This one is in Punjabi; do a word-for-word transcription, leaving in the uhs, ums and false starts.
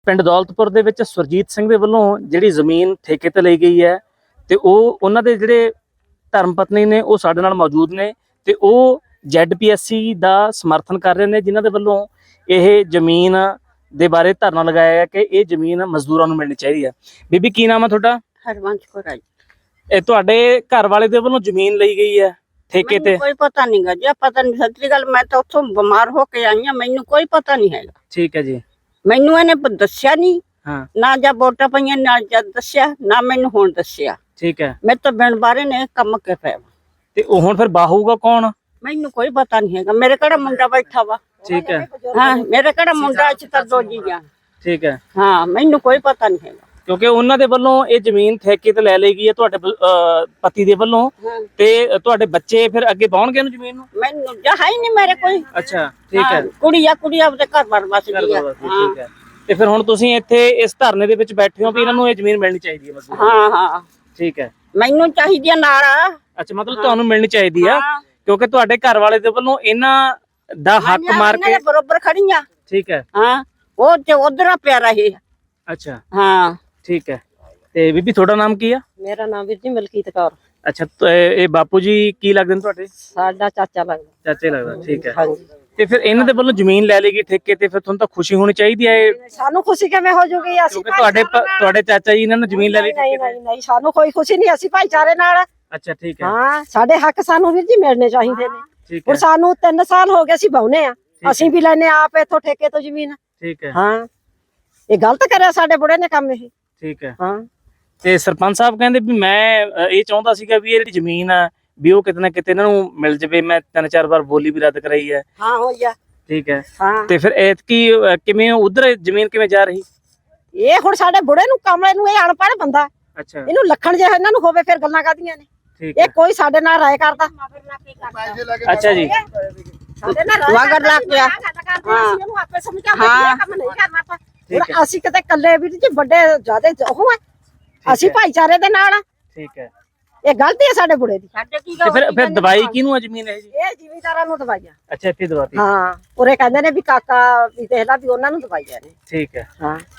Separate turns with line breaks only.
ਪਿੰਡ ਦੌਲਤਪੁਰ ਦੇ ਵਿੱਚ ਸੁਰਜੀਤ ਸਿੰਘ ਦੇ ਵੱਲੋਂ ਜਿਹੜੀ ਜ਼ਮੀਨ ਠੇਕੇ ਤੇ ਲਈ ਗਈ ਹੈ ਤੇ ਉਹ ਉਹਨਾਂ ਦੇ ਜਿਹੜੇ ਧਰਮ ਪਤਨੀ ਨੇ ਉਹ ਸਾਡੇ ਨਾਲ ਮੌਜੂਦ ਨੇ ਤੇ ਉਹ ਜ਼ੈਡ ਪੀ ਐਸ ਸੀ ਦਾ ਸਮਰਥਨ ਕਰ ਰਹੇ ਨੇ, ਜਿਨ੍ਹਾਂ ਦੇ ਵੱਲੋਂ ਇਹ ਜ਼ਮੀਨ ਦੇ ਬਾਰੇ ਧਰਨਾ ਲਗਾਇਆ ਹੈ ਕਿ ਇਹ ਜ਼ਮੀਨ ਮਜ਼ਦੂਰਾਂ ਨੂੰ ਮਿਲਣੀ ਚਾਹੀਦੀ ਹੈ। ਬੀਬੀ ਕੀ ਨਾਮ ਹੈ ਤੁਹਾਡਾ?
ਹਰਵੰਸ਼ ਕੌਰ ਆ ਜੀ।
ਇਹ ਤੁਹਾਡੇ ਘਰ ਵਾਲੇ ਦੇ ਵੱਲੋਂ ਜ਼ਮੀਨ ਲਈ ਗਈ ਹੈ ਠੇਕੇ ਤੇ?
ਕੋਈ ਪਤਾ ਨਹੀਂ ਗਾ ਜੀ, ਪਤਾ ਨਹੀਂ। ਸੱਚੀ ਗੱਲ, ਮੈਂ ਤਾਂ ਉੱਥੋਂ ਬਿਮਾਰ ਹੋ ਕੇ ਆਈ ਹਾਂ, ਮੈਨੂੰ ਕੋਈ ਪਤਾ ਨਹੀਂ ਹੈਗਾ।
ਠੀਕ ਹੈ ਜੀ।
ਮੈਨੂੰ ਇਹਨੇ ਪ- ਦੱਸਿਆ ਨਹੀਂ,
ਹਾਂ
ਨਾ ਜਾਂ ਵੋਟਾਂ ਪਈਆਂ ਨਾ ਜਦ ਦੱਸਿਆ, ਨਾ ਮੈਨੂੰ ਹੁਣ ਦੱਸਿਆ।
ਠੀਕ ਹੈ।
ਮੈਂ ਤਾਂ ਬਿਨ ਬਾਰੇ ਨੇ ਕੰਮ ਕੇ ਪਿਆ ਵਾ।
ਤੇ ਉਹ ਹੁਣ ਫਿਰ ਬਾਹੂਗਾ ਕੌਣ?
ਮੈਨੂੰ ਕੋਈ ਪਤਾ ਨਹੀਂ ਹੈਗਾ। ਮੇਰੇ ਕਿਹੜਾ ਮੁੰਡਾ ਬੈਠਾ ਵਾ?
ਠੀਕ ਹੈ।
ਹਾਂ, ਮੇਰੇ ਕਿਹੜਾ ਮੁੰਡਾ ਇੱਥੇ ਤਾਂ ਦੋ ਜੀ ਆ।
ਠੀਕ ਹੈ।
ਹਾਂ, ਮੈਨੂੰ ਕੋਈ ਪਤਾ ਨਹੀਂ ਹੈਗਾ,
ਕਿਉਂਕਿ ਉਹਨਾਂ ਦੇ ਵੱਲੋਂ ਇਹ ਜ਼ਮੀਨ ਠੇਕੇ ਤੇ ਲੈ ਲਈ ਗਈ ਹੈ ਤੁਹਾਡੇ ਅਹ, ਪਤੀ ਦੇ ਵੱਲੋਂ, ਤੇ ਤੁਹਾਡੇ ਬੱਚੇ ਫਿਰ ਅੱਗੇ ਪਾਉਣਗੇ ਇਹਨੂੰ ਜ਼ਮੀਨ ਨੂੰ?
ਮੈਨੂੰ ਜਾਂ ਹੈ ਹੀ ਨਹੀਂ ਮੇਰੇ ਕੋਈ।
ਅੱਛਾ ਠੀਕ ਹੈ।
ਕੁੜੀ ਆ, ਕੁੜੀ ਆਪਦੇ ਘਰ ਬਾਰ ਬਸ ਗਈ ਆ।
ਠੀਕ ਹੈ। ਤੇ ਫਿਰ ਹੁਣ ਤੁਸੀਂ ਇੱਥੇ ਇਸ ਧਰਨੇ ਦੇ ਵਿੱਚ ਬੈਠੇ ਹੋ ਵੀ ਇਹਨਾਂ ਨੂੰ ਇਹ ਜ਼ਮੀਨ ਮਿਲਣੀ ਚਾਹੀਦੀ ਹੈ ਮਜ਼ਦੂਰਾਂ ਨੂੰ?
ਹਾਂ ਹਾਂ,
ਠੀਕ ਹੈ।
ਮੈਨੂੰ ਚਾਹੀਦੀ ਆ ਨਾਲ।
ਅੱਛਾ, ਮਤਲਬ ਤੁਹਾਨੂੰ ਮਿਲਣੀ ਚਾਹੀਦੀ ਆ ਕਿਉਂਕਿ ਤੁਹਾਡੇ ਘਰ ਵਾਲੇ ਦੇ ਵੱਲੋਂ ਇਹਨਾਂ ਦਾ ਹੱਕ ਮਾਰ ਕੇ
ਬਰੋਬਰ ਖੜੀਆਂ।
ਠੀਕ ਹੈ।
ਹਾਂ, ਉਹ ਤੇ ਉਧਰ ਪਿਆ ਰਹੇ।
ਅੱਛਾ
ਹਾਂ
ਠੀਕ ਹੈ। ਤੇ ਬੀਬੀ ਤੁਹਾਡਾ ਨਾਮ ਕੀ ਆ?
ਮੇਰਾ ਨਾਮ ਵੀਰ ਜੀ ਮਲਕੀਤ ਕੌਰ।
ਅੱਛਾ, ਇਹ ਬਾਪੂ ਜੀ ਕੀ ਲੱਗਦੇ ਨੇ ਤੁਹਾਡੇ?
ਸਾਡਾ ਚਾਚਾ ਲੱਗਦਾ।
ਚਾਚੇ ਲੱਗਦਾ। ਠੀਕ ਹੈ।
ਹਾਂਜੀ।
ਤੇ ਫਿਰ ਇਹਨਾਂ ਦੇ ਵੱਲੋਂ ਜ਼ਮੀਨ ਲੈ ਲਈ ਗਈ ਠੇਕੇ ਤੇ, ਫਿਰ ਤੁਹਾਨੂੰ ਤਾਂ ਖੁਸ਼ੀ ਹੋਣੀ ਚਾਹੀਦੀ ਹੈ।
ਸਾਨੂੰ ਖੁਸ਼ੀ ਕਿਵੇਂ ਹੋ ਜੂਗੀ? ਅਸੀਂ
ਕਿਉਂਕਿ ਤੁਹਾਡੇ ਤੁਹਾਡੇ ਚਾਚਾ ਜੀ ਇਹਨਾਂ ਨੇ ਜ਼ਮੀਨ ਲੈ ਲਈ ਠੇਕੇ
ਨਹੀਂ
ਤੇ।
ਨਹੀਂ ਨਹੀਂ, ਸਾਨੂੰ ਕੋਈ ਖੁਸ਼ੀ ਨਹੀਂ। ਅਸੀਂ ਭਾਈਚਾਰੇ ਨਾਲ।
ਅੱਛਾ ਠੀਕ ਹੈ।
ਹਾਂ, ਸਾਡੇ ਹੱਕ ਸਾਨੂੰ ਵੀਰ ਜੀ ਮਿਲਣੇ ਚਾਹੀਦੇ ਨੇ।
ਠੀਕ
ਹੁਣ
ਹੈ।
ਸਾਨੂੰ ਤਿੰਨ ਸਾਲ ਹੋ ਗਏ ਅਸੀਂ ਬਾਉਨੇ ਆ, ਅਸੀਂ ਵੀ ਲੈਨੇ ਆਪ ਇਥੋਂ ਠੇਕੇ ਤੋਂ ਜ਼ਮੀਨ।
ਠੀਕ ਹੈ।
ਹਾਂ, ਇਹ ਗਲਤ ਕਰਿਆ ਸਾਡੇ ਬੁੜੇ ਨੇ ਕੰਮ ਇਹ।
ਠੀਕ ਹੈ।
ਹਾਂ,
ਤੇ ਸਰਪੰਚ ਸਾਹਿਬ ਕਹਿੰਦੇ ਵੀ ਮੈਂ ਅ, ਇਹ ਚਾਹੁੰਦਾ ਸੀਗਾ ਵੀ ਇਹ ਜਿਹੜੀ ਜ਼ਮੀਨ ਆ ਵੀ ਉਹ ਕਿਤੇ ਨਾ ਕਿਤੇ ਇਹਨਾਂ ਨੂੰ ਮਿਲ ਜਵੇ। ਮੈਂ ਤਿੰਨ ਚਾਰ ਵਾਰ ਬੋਲੀ ਵੀ ਰੱਦ ਕਰਾਈ ਹੈ।
ਹਾਂ ਹੋਈ ਆ।
ਠੀਕ ਹੈ।
ਹਾਂ,
ਤੇ ਫਿਰ ਐਤਕੀ ਅ, ਕਿਵੇਂ ਉਧਰ ਜ਼ਮੀਨ ਕਿਵੇਂ ਜਾ ਰਹੀ?
ਇਹ ਹੁਣ ਸਾਡੇ ਬੁੜੇ ਨੂੰ ਕਮਲੇ ਨੂੰ, ਇਹ ਅਨਪੜ੍ਹ ਬੰਦਾ,
ਅੱਛਾ
ਇਹਨੂੰ ਲੱਖਣ ਜੇ ਇਹਨਾਂ ਨੂੰ ਹੋਵੇ ਫਿਰ ਗੱਲਾਂ ਕਾਦੀਆਂ ਨੇ।
ਠੀਕ
ਇਹ
ਹੈ।
ਕੋਈ ਸਾਡੇ ਨਾਲ ਰਾਏ ਕਰਦਾ?
ਅੱਛਾ ਜੀ।
ਸਾਡੇ ਨਾਲ ਰਾਏ
ਮਗਰ ਲੱਗ ਗਿਆ।
ਹਾਂ, ਇਹਨੂੰ ਆਪੇ ਸਮਝਾਉਂਦੇ
ਹਾਂ।
ਇਹ ਕੰਮ ਨਹੀਂ ਕਰਨਾ ਆਪਾਂ।
ਠੀਕ
ਹੁਣ ਅਸੀਂ ਕਿਤੇ ਇਕੱਲੇ ਵੀਰ ਜੀ ਵੱਡੇ ਜਿਆਦੇ ਉਹ ਆ, ਅਸੀਂ ਭਾਈਚਾਰੇ ਦੇ ਨਾਲ ਆ।
ਠੀਕ ਹੈ।
ਇਹ ਗਲਤੀ ਹੈ ਸਾਡੇ ਬੁੜੇ ਦੀ।
ਸਾਡੇ ਕੀ
ਤੇ ਫਿਰ ਫਿਰ ਦਵਾਈ ਕਿਹਨੂੰ ਆ ਜ਼ਮੀਨ ਇਹ ਜੀ?
ਇਹ ਜ਼ਿਮੀਂਦਾਰਾਂ ਨੂੰ ਦਵਾਈਆਂ।
ਅੱਛਾ ਇੱਥੇ ਦਵਾਤੀ।
ਹਾਂ, ਉਰੇ ਕਹਿੰਦੇ ਨੇ ਵੀ ਕਾਕਾ ਵੀ ਦੇਖ ਲਾ ਵੀ ਉਹਨਾਂ ਨੂੰ ਦਵਾਈਆਂ ਨੇ।
ਠੀਕ ਹੈ।
ਹਾਂ।